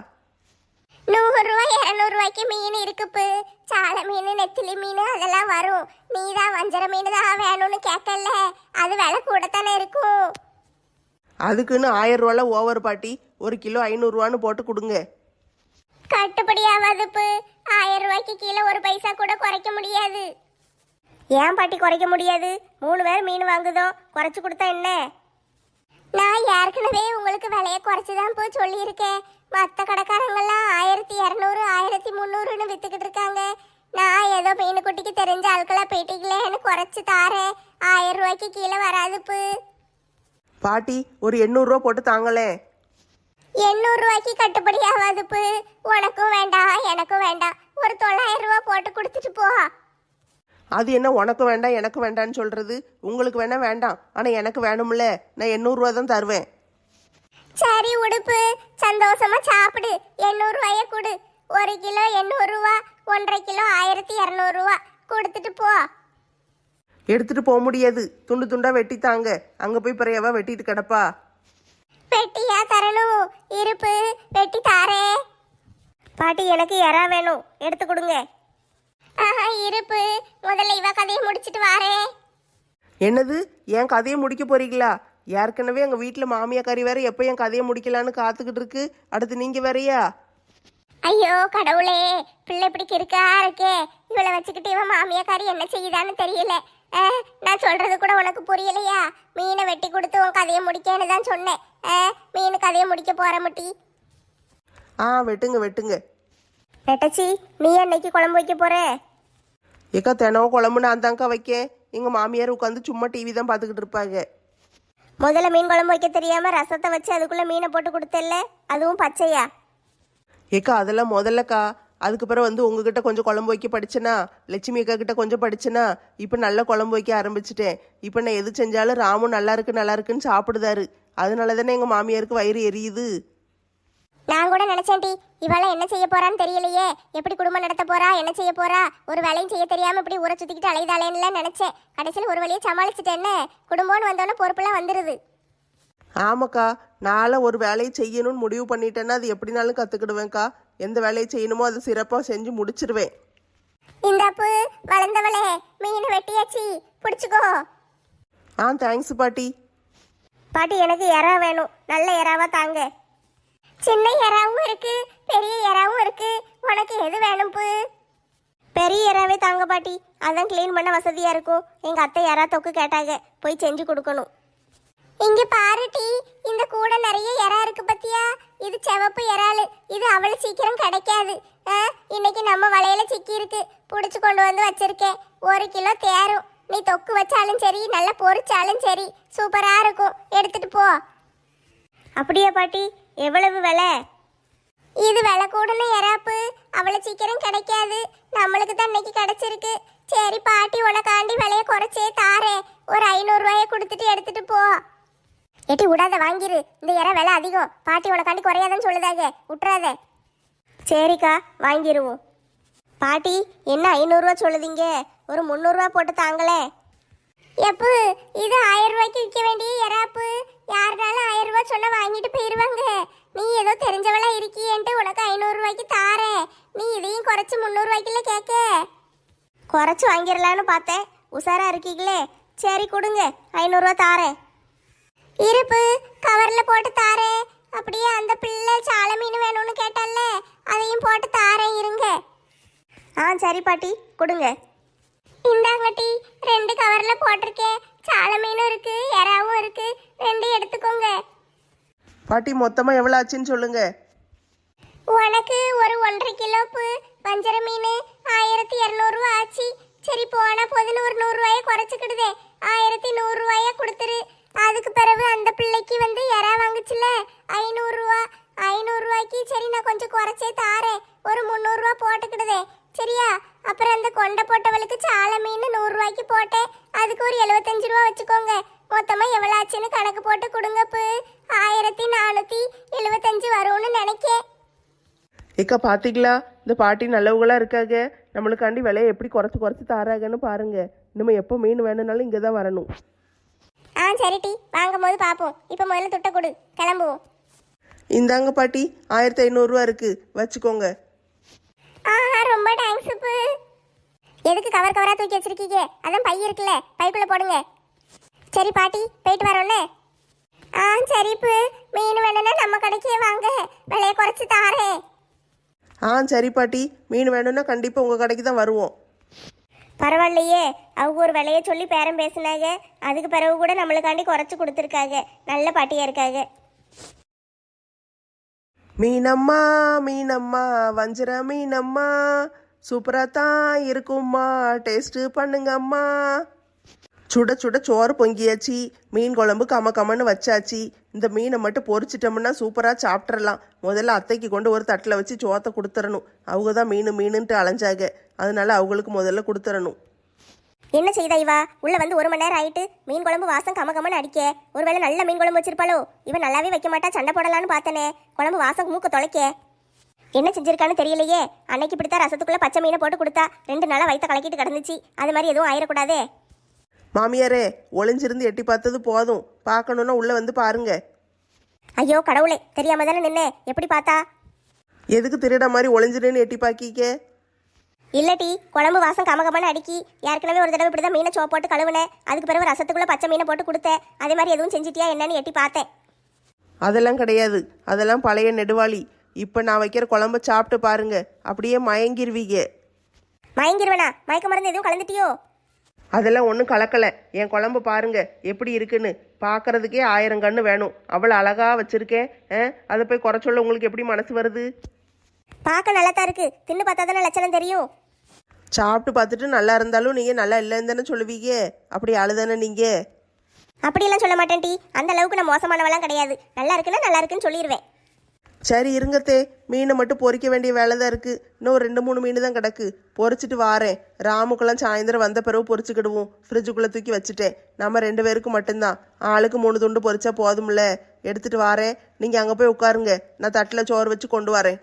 நூறு ரூபாய் இருநூறு ரூபாய்க்கு மீன் இருக்குப்பு. சாலை மீன், நெத்திலி மீன் அதெல்லாம் வரும். நீ தான் வஞ்சர மீன் தான் வேணும்னு கேட்கல, அது விலை கூடத்தானே இருக்கும்.
அதுக்குன்னு ஆயிரம் ரூபால ஓவர் பாட்டி. ஒரு கிலோ ஐநூறுரூவான்னு போட்டு கொடுங்க.
கட்டுப்படி ஆகாதுப்பு. ஆயிரம் ரூபாய்க்கு கீழே ஒரு பைசா கூட குறைக்க முடியாது. ஏன் பாட்டி குறைக்க முடியாது? மூணு பேர் மீன் வாங்குதோ, குறைச்சு கொடுத்தா என்ன? நான் ஏற்கனவே உங்களுக்கு விலையை குறைச்சுதான் போய் சொல்லியிருக்கேன். மற்ற கடைக்காரங்கெல்லாம் ஆயிரத்தி இரநூறு ஆயிரத்தி முந்நூறுன்னு வித்துக்கிட்டு இருக்காங்க. நான் ஏதோ மீன் குட்டிக்கு தெரிஞ்ச ஆட்களா போயிட்டீங்களேன்னு குறைச்சு தாரேன். ஆயிரம் ரூபாய்க்கு கீழே வராதுப்பு.
பாட்டி, ஒரு எண்ணூறுரூவா போட்டு தாங்களேன்.
எண்ணூறு ரூபாய்க்கு கட்டுப்படி ஆகாதுப்பு. உனக்கும் வேண்டாம் எனக்கும் வேண்டாம். ஒரு தொள்ளாயிரம் ரூபா போட்டு கொடுத்துட்டு போ.
அது என்ன உனக்கு வேண்டாம் எனக்கு வேண்டான்னு சொல்றது? உங்களுக்கு வேணா வேண்டாம், ஆனால் எனக்கு வேணும்ல. நான் எண்ணூறுரூவா தான் தருவேன்.
சரி உடுப்பு, சந்தோஷமா சாப்பிடு. எண்ணூறு ரூபாய கொடு. ஒரு கிலோ எண்ணூறு ரூபா, ஒன்றரை கிலோ ஆயிரத்தி இரநூறு ரூபா கொடுத்துட்டு போ.
எடுத்துட்டு போக முடியாது. துண்டு துண்டா வெட்டி தாங்க. அங்கே போய் பிறையவா வெட்டிட்டு கிடப்பா.
வெட்டியா தரணும்? இருப்பு, வெட்டி தாரே. பாட்டி, எனக்கு எறா வேணும், எடுத்து கொடுங்க. ஆஹா, இருப்பு, முதல்ல இவ கதையை முடிச்சிட்டு வாரேன்.
என்னது, என் கதையை முடிக்க போறீங்களா? ஏற்கனவே எங்கள் வீட்டில் மாமியா கறி வேற எப்போ என் கதையை முடிக்கலான்னு காத்துக்கிட்டு இருக்கு. அடுத்து நீங்கள் வேறையா?
ஐயோ கடவுளே, பிள்ளை இப்படி கிறுக்கா இருக்கே. இவளை வச்சுக்கிட்டு இவன் மாமியாக்காரி என்ன செய்யுதான்னு தெரியல. அஹ், நான் சொல்றது கூட உனக்கு புரியலையா? மீனை வெட்டி கொடுத்து உன் கதையை முடிக்கன்னு தான் சொன்னேன். அஹ், மீன் கதையை முடிக்க போற முட்டி.
ஆ, வெட்டுங்க வெட்டுங்க.
நெட்டச்சி, நீ அன்னைக்கு குழம்பு வைக்க போற?
ஏக்கா, தினம் குழம்பு நான் தாங்க்கா வைக்கேன். எங்கள் மாமியார் உட்காந்து சும்மா டிவி தான் பார்த்துக்கிட்டு இருப்பாங்க.
முதல்ல மீன் குழம்பு வைக்க தெரியாம ரசத்தை வச்சு அதுக்குள்ள மீனை போட்டு கொடுத்தல்ல, அதுவும் பச்சையா?
ஏக்கா, அதெல்லாம் முதல்லக்கா. அதுக்கு பிறகு வந்து உங்ககிட்ட கொஞ்சம் குழம்பு வைக்க படிச்சேனா, லட்சுமி அக்கா கிட்ட கொஞ்சம் படிச்சேனா, இப்போ நல்ல குழம்பு வைக்க ஆரம்பிச்சிட்டேன். இப்போ நான் எது செஞ்சாலும் ராமு நல்லா இருக்கு நல்லா இருக்குன்னு சாப்பிடுதாரு. அதனால தானே எங்கள் மாமியாருக்கு வயிறு எரியுது.
நான் கூட நினைச்சேன் டி, இவள என்ன செய்ய போறான்னு தெரியலையே. எப்படி குடும்பம் நடத்த போறா, என்ன செய்ய போறா, ஒரு வேலையும் செய்ய தெரியாம இப்படி ஊரை சுத்திக்கிட்டு அலைதாளேன்னு நினைச்சேன். கடைசியில் ஒரு வழியை சமாளிச்சுட்டேன்னு. குடும்பம்னு வந்தோன்னே பொறுப்புலாம் வந்துருது.
ஆமாக்கா, நானும் ஒரு வேலையை செய்யணும்னு முடிவு பண்ணிட்டேன்னா அது எப்படினாலும் கற்றுக்கிடுவேன்க்கா. எந்த வேலையை செய்யணுமோ அதை சிறப்பாக செஞ்சு முடிச்சிருவேன்.
இந்தாப்பு, வளர்ந்தவளே, மீன் வெட்டியாச்சு, பிடிச்சிக்கோ.
ஆ, தேங்க்ஸ் பாட்டி.
பாட்டி, எனக்கு எறா வேணும், நல்ல எறாவா தாங்க. சின்ன எறாவும் இருக்கு, பெரிய எறாவும் இருக்கு. உனக்கு எது வேணும் பு? பெரிய எறாவே தாங்க பாட்டி. அதான் க்ளீன் பண்ண வசதியா இருக்கும். எங்க அத்தை யாரா தொக்கு கேட்டாங்க, போய் செஞ்சு கொடுக்கணும். இங்க பாரு டி, இந்த கூட நிறைய இறா இருக்கு பத்தியா? இது சிவப்பு இறாலு. இது அவ்வளவு சீக்கிரம் கிடைக்காது. ஆ, இன்னைக்கு நம்ம வலையில சிக்கி இருக்கு, புடிச்சு கொண்டு வந்து வச்சிருக்கேன். ஒரு கிலோ தேரும். நீ தொக்கு வச்சாலும் சரி, நல்லா பொரிச்சாலும் சரி, சூப்பரா இருக்கும். எடுத்துட்டு போ.
அப்படியா பாட்டி? எவ்வளவு விலை?
இது விலை கூடன இறாப்பு, அவ்வளவு சீக்கிரம் கிடைக்காது. நம்மளுக்கு தான் இன்னைக்கு கிடைச்சிருக்கு. சரி பாட்டி, உனக்காண்டி விலைய குறைச்சே தாரே. ஒரு ஐநூறு ரூபாய கொடுத்துட்டு எடுத்துட்டு போ. எட்டி விடாத, வாங்கிரு. இந்த இற விலை அதிகம். பாட்டி உனக்காண்டி குறையாதுன்னு சொல்லுதாங்க, விட்டுறாத.
சரிக்கா, வாங்கிடுவோம். பாட்டி, என்ன ஐநூறுரூவா சொல்லுதீங்க? ஒரு முந்நூறுரூவா போட்டு தாங்களே.
எப்பு, இது ஆயிரம் ரூபாய்க்கு விற்க வேண்டிய இறாப்பு. யாருனாலும் ஆயிரம் ரூபாய் சொன்னா வாங்கிட்டு போயிருவாங்க. நீ ஏதோ தெரிஞ்சவளா இருக்கியேன்ட்டு உனக்கு ஐநூறு ரூபாய்க்கு தாரேன். நீ இதையும் குறைச்சு முந்நூறு ரூபாய்க்குள்ள கேட்க.
குறைச்சி வாங்கிடலான்னு பார்த்தேன். உஷாரா இருக்கீங்களே. சரி கொடுங்க, ஐநூறுரூவா தாரேன்.
இருப்பு கவர்ல போட்டு தாரேன். அப்படியே அந்த பிள்ளை சால மீன் வேணும்னு கேட்டால, அதையும் போட்டு தாரேன். இருங்க.
ஆ சரி பாட்டி, கொடுங்க.
இந்தாங்கட்டி, ரெண்டு கவர்ல போட்டிருக்கேன். சால மீனும் இருக்கு, எறாவும் இருக்கு. ரெண்டு எடுத்துக்கோங்க.
பாட்டி மொத்தமா எவ்வளவு ஆச்சுன்னு சொல்லுங்க.
உனக்கு ஒரு ஒன்றரை கிலோப்பு வஞ்சர மீன் ஆயிரத்தி இரநூறுவா ஆச்சு. சரி போனா போதுன்னு ஒரு நூறு ரூபாய குறைச்சிக்கிடுதே. ஆயிரத்தி நூறு ரூபாய கொடுத்துரு. அதுக்கு பிறகு அந்த பிள்ளைக்கு வந்து எறா வாங்குச்சுல, ஐநூறு ரூபா. ஐநூறு ரூபாய்க்கு சரி நான் கொஞ்சம் குறைச்சே தாரேன். ஒரு முந்நூறு ரூபா போட்டுக்கிடுதே, சரியா? அப்புறம் அந்த கொண்டை போட்டவளுக்கு சால மீன் நூறு ரூபாய்க்கு போட்டேன். அதுக்கு ஒரு எழுபத்தஞ்சு ரூபா வச்சுக்கோங்க. மொத்தமா எவ்வளவு ஆச்சுன்னு கணக்கு போட்டு கொடுங்கப்பு. ஆயிரத்தி நானூத்தி எழுபத்தஞ்சு வரும்னு நினைக்கேன்.
ஏக்கா பாத்தீங்களா, இந்த பாட்டி நல்லவங்களா இருக்காங்க. நம்மளுக்காண்டி விலையை எப்படி குறைச்சு குறைச்சு தாராங்கன்னு பாருங்க. இனிமே எப்போ மீன் வேணும்னாலும் இங்கே தான் வரணும்.
ஆ சரிட்டி, வாங்கும் போது பார்ப்போம். இப்போ முதல்ல துட்டை கொடு, கிளம்புவோம்.
இந்தாங்க பாட்டி, ஆயிரத்தி ஐநூறுரூவா இருக்கு, வச்சுக்கோங்க.
ஆஹா, ரொம்ப தேங்க்ஸ் உப்பு. எதுக்கு கவர் கவரா தூக்கி வச்சிருக்கீங்க? அதான் பை இருக்குல்ல, பைக்குள்ள போடுங்க. சரி பாட்டி, போயிட்டு வரோன்னே. ஆ சரிப்பு, மீன் வேணும்னா நம்ம கடைக்கே வாங்க, விலையை குறைச்சி தாரேன்.
ஆ சரி பாட்டி, மீன் வேணும்னா கண்டிப்பாக உங்கள் கடைக்கு தான் வருவோம்.
பரவாயில்லையே, அவங்க ஒரு விலையை சொல்லி பேரம் பேசினாங்க. அதுக்கு பிறகு கூட நம்மளுக்காண்டி குறைச்சி கொடுத்துருக்காங்க. நல்ல பாட்டியாக இருக்காங்க.
மீனம்மா மீனம்மா வஞ்சர மீனம்மா சூப்பராக தான் இருக்கும்மா, டேஸ்ட்டு பண்ணுங்கம்மா. சுட சுட சோறு பொங்கியாச்சு, மீன் குழம்பு கம கமன்னு வச்சாச்சு. இந்த மீனை மட்டும் பொரிச்சிட்டோம்னா சூப்பராக சாப்பிட்றலாம். முதல்ல அத்தைக்கு கொண்டு ஒரு தட்டில் வச்சு சோத்தை கொடுத்துடணும். அவங்க தான் மீன் மீனுன்ட்டு அலைஞ்சாங்க, அதனால அவங்களுக்கு முதல்ல கொடுத்துடணும்.
என்ன செய்தா இவா? உள்ள வந்து ஒரு மணி நேரம் ஆயிட்டு மீன் குழம்பு வாசம் கம கமன்னு அடிக்க. ஒருவேளை நல்ல மீன் குழம்பு வச்சிருப்பாளோ? இவன் நல்லாவே வைக்க மாட்டா, சண்டை போடலான்னு பார்த்தனே. குழம்பு வாசம் மூக்க தொலைக்க. என்ன செஞ்சிருக்கான்னு தெரியலையே. அன்னைக்கு இப்படித்தான் ரசத்துக்குள்ள பச்சை மீனை போட்டு கொடுத்தா ரெண்டு நாளாக வயிற்ற கலக்கிட்டு கிடந்துச்சு. அது மாதிரி எதுவும் ஆயிடக்கூடாதே.
மாமியாரே, ஒளிஞ்சிருந்து எட்டி பார்த்தது போதும், பார்க்கணுன்னா உள்ளே வந்து பாருங்க.
ஐயோ கடவுளே, தெரியாம தானே நின்னே. எப்படி பார்த்தா?
எதுக்கு திருட மாதிரி ஒளிஞ்சிருன்னு எட்டி பாக்கிக்க?
இல்லட்டி, குழம்பு வாசம் கமகமன்னு அடிக்கி. ஏற்கனவே ஒரு தடவை இப்படிதான் மீனை சோ போட்டு கழுவுனேன். அதுக்கு பிறகு ரசத்துக்குள்ள பச்சை மீனை போட்டு கொடுத்தேன். அதே மாதிரி எதுவும் செஞ்சிட்டியா என்னன்னு எட்டி பார்த்தேன்.
அதெல்லாம் கிடையாது, அதெல்லாம் பழைய நெடுவாளி. இப்போ நான் வைக்கிற குழம்ப சாப்பிட்டு பாருங்க, அப்படியே மயங்கிருவீங்க.
மயங்கிருவனா? மயக்க மருந்து எதுவும் கலந்துட்டியோ?
அதெல்லாம் ஒன்றும் கலக்கலை. என் குழம்பு பாருங்க எப்படி இருக்குன்னு. பார்க்கறதுக்கே ஆயிரம் கண்ணு வேணும், அவ்வளோ அழகா வச்சிருக்கேன். அதை போய் குறை சொல்ல உங்களுக்கு எப்படி மனசு வருது?
பார்க்க நல்லா தான் இருக்கு, தின்னு பார்த்தா தானே லட்சணம் தெரியும்.
சாப்பிட்டு பார்த்துட்டு நல்லா இருந்தாலும் நீங்கள் நல்லா இல்லைன்னு தானே சொல்லுவீங்க. அப்படி அழுதானே நீங்கள்?
அப்படியெல்லாம் சொல்ல மாட்டேன் டி, அந்த அளவுக்கு நான் மோசமானவெல்லாம் கிடையாது. நல்லா இருக்குன்னா நல்லா இருக்குன்னு சொல்லிடுவேன்.
சரி இருங்கத்தே, மீனை மட்டும் பொரிக்க வேண்டிய வேலை தான் இருக்குது. இன்னும் ஒரு ரெண்டு மூணு மீன் தான் கிடக்கு, பொரிச்சிட்டு வாரேன். ராமுக்கெல்லாம் சாயந்தரம் வந்த பிறகு பொரிச்சுக்கிடுவோம். ஃப்ரிட்ஜுக்குள்ளே தூக்கி வச்சுட்டேன். நம்ம ரெண்டு பேருக்கு மட்டும்தான், ஆளுக்கு மூணு துண்டு பொரிச்சா போதும்ல. எடுத்துகிட்டு வாரேன், நீங்கள் அங்கே போய் உட்காருங்க, நான் தட்டில் சோறு வச்சு கொண்டு வரேன்.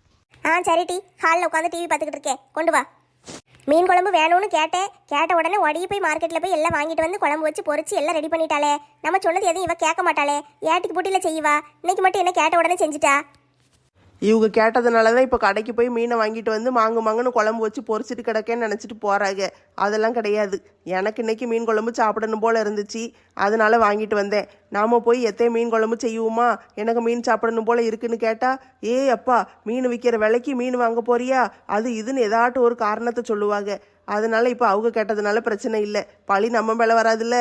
ஆ சரி டி, ஹாலில் உட்காந்து டிவி பார்த்துக்கிட்டு இருக்கேன், கொண்டு வா. மீன் குழம்பு வேணும்னு கேட்டேன். கேட்ட உடனே ஓடி போய் மார்க்கெட்டில் போய் எல்லாம் வாங்கிட்டு வந்து குழம்பு வச்சு பொரிச்சு எல்லாம் ரெடி பண்ணிட்டாளே. நம்ம சொன்னது எதுவும் இவ கேட்க மாட்டாளே. ஏட்டிக்கு பூட்டியில் செய்வா, இன்னைக்கு மட்டும் என்ன கேட்ட உடனே செஞ்சுட்டா.
இவங்க கேட்டதுனால தான் இப்போ கடைக்கு போய் மீனை வாங்கிட்டு வந்து மாங்கு மாங்குன்னு குழம்பு வச்சு பொரிச்சிட்டு கிடக்கேன்னு நினச்சிட்டு போகிறாங்க. அதெல்லாம் கிடையாது. எனக்கு இன்னைக்கு மீன் குழம்பு சாப்பிடணும் போல் இருந்துச்சு, அதனால வாங்கிட்டு வந்தேன். நாம் போய் எத்தையும் மீன் குழம்பு செய்வோமா, எனக்கு மீன் சாப்பிடணும் போல் இருக்குன்னு கேட்டால், ஏ அப்பா மீன் விற்கிற விலைக்கு மீன் வாங்க போறியா, அது இதுன்னு ஏதாட்டும் ஒரு காரணத்தை சொல்லுவாங்க. அதனால இப்போ அவங்க கேட்டதுனால பிரச்சனை இல்லை, பழி நம்ம மேலே வராதுல்ல.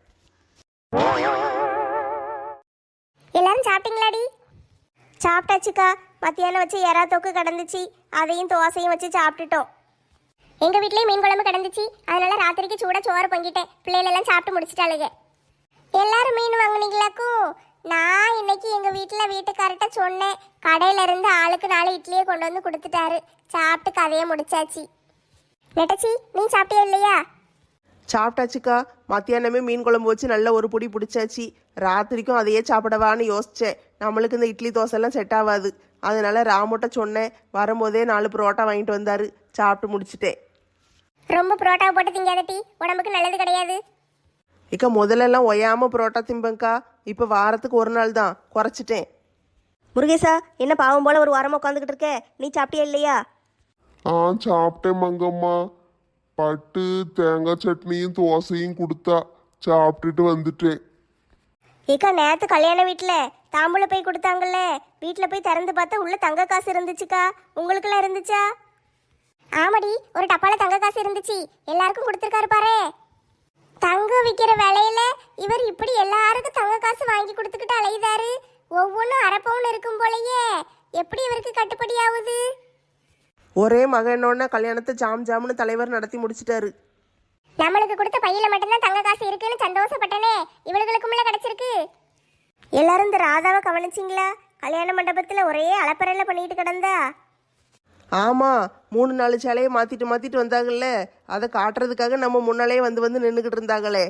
எல்லாரும் சாப்பிட்டீங்களாடி?
சாப்பிட்டாச்சுக்கா. மத்தியானம் வச்சு எறா தொக்கு கிடந்துச்சு, அதையும் தோசையும் வச்சு சாப்பிட்டுட்டோம்.
எங்க வீட்லயும் மீன் குழம்பு கிடந்துச்சு, அதனால ராத்திரிக்கு சூடா சோறு பொங்கிட்டேன். பிள்ளைகள் எல்லாம் சாப்பிட்டு முடிச்சிட்டாளுங்க. எல்லாரும் மீன் வாங்குனீங்களாக்கும்? நான் இன்னைக்கு எங்க வீட்டுல வீட்டுக்கார்ட்ட சொன்னேன், கடையில இருந்து ஆளுக்கு நாலு இட்லியை கொண்டு வந்து கொடுத்துட்டாரு. சாப்பிட்டு கதையை முடிச்சாச்சு. நெட்டச்சி, நீ சாப்பிட்டியா இல்லையா?
சாப்பிட்டாச்சுக்கா. மத்தியானமே மீன் குழம்பு வச்சு நல்ல ஒரு பொடி பிடிச்சாச்சு. ராத்திரிக்கும் அதையே சாப்பிடவான்னு யோசித்தேன். நம்மளுக்கு இந்த இட்லி தோசைலாம் செட் ஆகாது. அதனால ராமுட்ட சொன்னேன், வரும்போதே நாலு புரோட்டா வாங்கிட்டு வந்தாரு. சாப்பிட்டு முடிச்சிட்டேன்.
ரொம்ப புரோட்டாவை போட்டு திங்காதட்டி, உடம்புக்கு நல்லது கிடையாது.
இக்கா முதல்லலாம் ஒயாம புரோட்டா திம்பங்கா, இப்போ வாரத்துக்கு ஒரு நாள் தான், குறைச்சிட்டேன்.
முருகேசா, என்ன பாவம் போல ஒரு வாரமாக உட்காந்துக்கிட்டு இருக்க? நீ சாப்பிட்டியா இல்லையா?
ஆ சாப்பிட்டேன் மங்கம்மா. பட்டு தேங்காய் சட்னியும் தோசையும் கொடுத்தா சாப்பிட்டுட்டு வந்துட்டேன்.
ஏக்கா, நேற்று கல்யாண வீட்டில் தாம்பூல போய் கொடுத்தாங்கல்ல, வீட்டில் போய் திறந்து பார்த்தா உள்ள தங்க காசு இருந்துச்சுக்கா. உங்களுக்குலாம் இருந்துச்சா?
ஆமாடி, ஒரு டப்பால தங்க காசு இருந்துச்சு, எல்லாருக்கும் கொடுத்துருக்காரு பாரு. தங்கம் விற்கிற விலையில இவர் இப்படி எல்லாருக்கும் தங்க காசு வாங்கி கொடுத்துக்கிட்டு அலையுதாரு. ஒவ்வொன்றும் அரப்பவுன்னு இருக்கும் போலயே, எப்படி இவருக்கு கட்டுப்படி ஆகுது?
ஒரே மகனோட கல்யாணத்தை ஜாம் ஜாம்னு தலைவர் நடத்தி முடிச்சிட்டாரு.
நம்மளுக்கு கொடுத்த பையில மட்டும்தான் தங்க காசு இருக்குன்னு சந்தோஷப்பட்டனே, இவளுகளுக்குள்ள கிடைச்சிருக்கு.
எல்லாரும் இந்த ராதாவை கவனிச்சிங்களா? கல்யாண மண்டபத்தில் ஒரே அலப்பறையில் பண்ணிட்டு கிடந்தா.
ஆமாம், மூணு நாலு சேலையை மாற்றிட்டு மாற்றிட்டு வந்தாங்கல்ல, அதை காட்டுறதுக்காக நம்ம முன்னாலே வந்து வந்து நின்றுக்கிட்டு இருந்தாங்களே.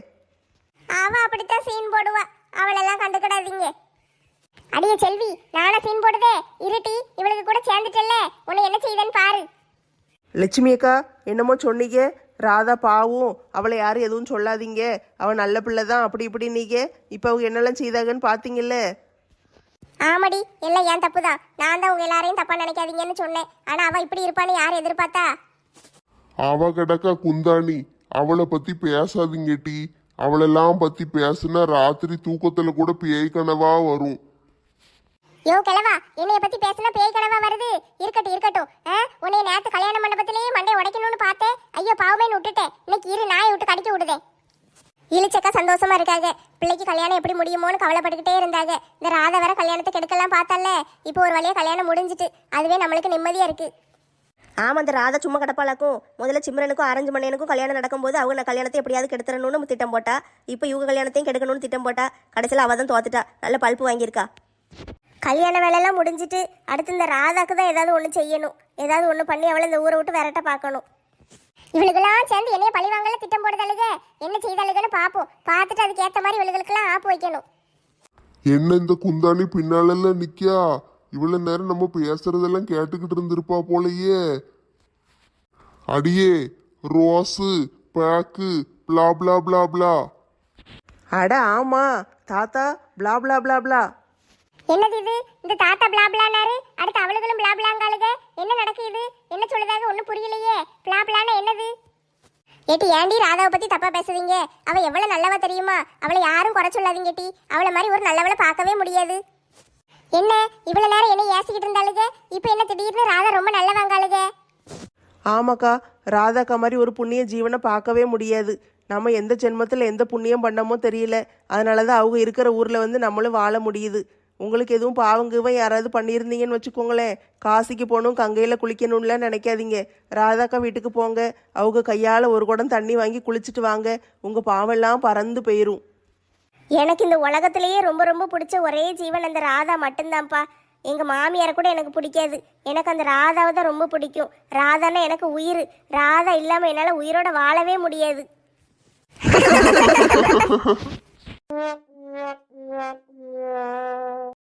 அவ அப்படித்தான் சீன் போடுவா, அவளெல்லாம் கண்டுக்கிடாதீங்க. அடியே செல்வி, நானா சீன் போடுதே? இருட்டி, இவளுக்கு கூட சேர்ந்துட்டல்ல, உன்னை என்ன செய்தேன்னு பாரு.
லட்சுமி அக்கா, என்னமோ சொன்னீங்க, ராதா பாவும், அவளை யாரும் எதுவும் சொல்லாதீங்க, அவள் நல்ல பிள்ளை தான், அப்படி இப்படி நீங்க இப்போ அவங்க என்னெல்லாம் செய்தாங்கன்னு பார்த்தீங்கல்ல.
ஆமாடி, எல்லாம் ஏன் தப்பு தான். நான் தான் உங்க எல்லாரையும் தப்பா நினைக்காதீங்கன்னு சொன்னேன். ஆனா அவ இப்படி இருப்பான்னு யார் எதிர்பார்த்தா?
அவ கிடக்கா குந்தாணி, அவளை பத்தி பேசாதீங்க டி. அவளெல்லாம் பத்தி பேசுனா ராத்திரி தூக்கத்துல கூட பேய் கனவா வரும்.
யோ கிழவா, என்னைய பத்தி பேசினா பேய் கனவா வருது? இருக்கட்டும் இருக்கட்டும். உன்னைய நேத்து கல்யாண மண்டபத்திலேயே மண்டை உடைக்கணும்னு பார்த்தேன். ஐயோ பாவமேன்னு விட்டுட்டேன். இன்னைக்கு இரு நாயை விட்டு கடிக்க விடுதேன். இழிச்சக்கா சந்தோஷமா இருக்காங்க. பிள்ளைக்கு கல்யாணம் எப்படி முடியுமோன்னு கவலைப்பட்டுக்கிட்டே இருந்தாங்க. இந்த ராதா வேற கல்யாணத்தை கெடுக்கலாம் பார்த்தால, இப்போ ஒரு வழியா கல்யாணம் முடிஞ்சிட்டு, அதுவே நம்மளுக்கு நிம்மதியா இருக்கு.
ஆமாம், அந்த ராதா சும்மா கிடப்பாளாக்கும். முதல்ல சிம்ரனுக்கும் ஆரஞ்சு மண்ணியனுக்கும் கல்யாணம் நடக்கும்போது அவங்க நான் கல்யாணத்தை எப்படியாவது கெடுத்துறணும்னு திட்டம் போட்டா. இப்போ இவங்க கல்யாணத்தையும் கெடுக்கணும்னு திட்டம் போட்டா. கடைசியில் அவள் தான் தோத்துட்டா. நல்ல பல்ப்பு வாங்கியிருக்கா.
கல்யாண வேலையெல்லாம் முடிஞ்சிட்டு அடுத்து இந்த ராதாக்கு தான் ஏதாவது ஒன்று செய்யணும். ஏதாவது ஒன்று பண்ணி அவளை இந்த ஊரை விட்டு விரட்ட பார்க்கணும்.
இவளுக்கெல்லாம் சேர்ந்து என்னைய பழி வாங்கல திட்டம் போடுதலுக, என்ன செய்தாளுகன்னு பார்ப்போம். பார்த்துட்டு அதுக்கு ஏற்ற மாதிரி இவளுகளுக்கெல்லாம் ஆப்பு வைக்கணும்.
என்ன இந்த குந்தாணி பின்னாலெல்லாம் நிக்கா? இவ்வளவு நேரம் நம்ம பேசுறதெல்லாம் கேட்டுக்கிட்டு இருந்திருப்பா போலயே. அடியே ரோஸு பேக்கு பிளா பிளா பிளா பிளா.
அட ஆமா தாத்தா, பிளா பிளா பிளா பிளா.
என்னது இது? இந்த தாத்தா பிளா பிளானாரு, அடுத்து அவளுகளும் பிளா பிளாங்காளுக. என்ன நடக்குது? என்ன சொல்லுதாக ஒன்றும் புரியலையே. பிளா பிளானா என்னது? ஏட்டி, ஏண்டி ராதாவை பத்தி தப்பா பேசுறீங்க? அவ எவ்வளவு நல்லவா தெரியுமா? அவளை யாரும் குறை சொல்லாதீங்க டி. அவளை மாதிரி ஒரு நல்லவளை பார்க்கவே முடியாது. என்ன இவ்வளவு நேரம் என்ன ஏசிக்கிட்டு இருந்தாளுங்க, இப்போ என்ன திடீர்னு ராதா ரொம்ப நல்லவாங்காளுக?
ஆமாக்கா, ராதாக்கா மாதிரி ஒரு புண்ணிய ஜீவனை பார்க்கவே முடியாது. நம்ம எந்த ஜென்மத்தில் எந்த புண்ணியம் பண்ணமோ தெரியல. அதனால தான் அவங்க இருக்கிற ஊரில் வந்து நம்மளும் வாழ முடியுது. உங்களுக்கு எதுவும் பாவங்குவன் யாராவது பண்ணியிருந்தீங்கன்னு வச்சுக்கோங்களேன், காசிக்கு போகணும் கங்கையில் குளிக்கணும்லாம் நினைக்காதீங்க. ராதாக்கா வீட்டுக்கு போங்க, அவங்க கையால் ஒரு குடம் தண்ணி வாங்கி குளிச்சுட்டு வாங்க. உங்கள் பாவெல்லாம் பறந்து போயிடும்.
எனக்கு இந்த உலகத்திலேயே ரொம்ப ரொம்ப பிடிச்ச ஒரே ஜீவன் அந்த ராதா மட்டும்தான்ப்பா. எங்கள் மாமியாரை கூட எனக்கு பிடிக்காது, எனக்கு அந்த ராதாவை தான் ரொம்ப பிடிக்கும். ராதான்னா எனக்கு உயிர். ராதா இல்லாமல் என்னால் உயிரோட வாழவே முடியாது.